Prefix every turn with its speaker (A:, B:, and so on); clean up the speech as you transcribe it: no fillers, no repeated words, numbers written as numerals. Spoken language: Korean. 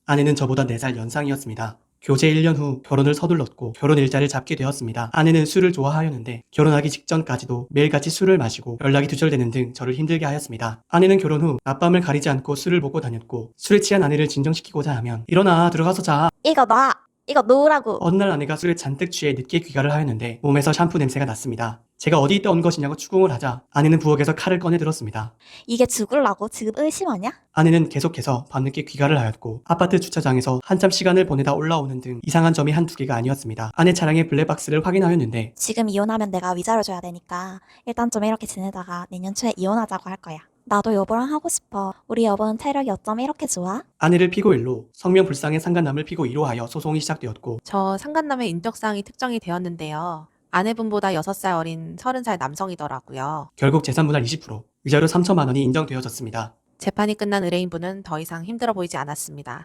A: 아내는 저보다 4살 연상이었습니다. 교제 1년 후 결혼을 서둘렀고 결혼 일자를 잡게 되었습니다. 아내는 술을 좋아하였는데 결혼하기 직전까지도 매일같이 술을 마시고 연락이 두절되는 등 저를 힘들게 하였습니다. 아내는 결혼 후 낮밤을 가리지 않고 술을 보고 다녔고 술에 취한 아내를 진정시키고자 하면 일어나 들어가서 자.
B: 이거 놔! 이거 놓으라고!
A: 어느 날 아내가 술에 잔뜩 취해 늦게 귀가를 하였는데 몸에서 샴푸 냄새가 났습니다. 제가 어디 있다 온 것이냐고 추궁을 하자 아내는 부엌에서 칼을 꺼내 들었습니다.
B: 이게 죽을라고 지금 의심하냐?
A: 아내는 계속해서 밤늦게 귀가를 하였고 아파트 주차장에서 한참 시간을 보내다 올라오는 등 이상한 점이 한두 개가 아니었습니다. 아내 차량의 블랙박스를 확인하였는데
B: 지금 이혼하면 내가 위자료 줘야 되니까 일단 좀 이렇게 지내다가 내년 초에 이혼하자고 할 거야. 나도 여보랑 하고 싶어. 우리 여보는 체력이 어쩜 이렇게 좋아?
A: 아내를 피고 1로, 성명불상의 상간남을 피고 2로 하여 소송이 시작되었고
C: 저 상간남의 인적사항이 특정이 되었는데요. 아내분보다 6살 어린 30살 남성이더라고요.
A: 결국 재산분할 20%, 위자료 3천만 원이 인정되어졌습니다.
C: 재판이 끝난 의뢰인분은 더 이상 힘들어 보이지 않았습니다.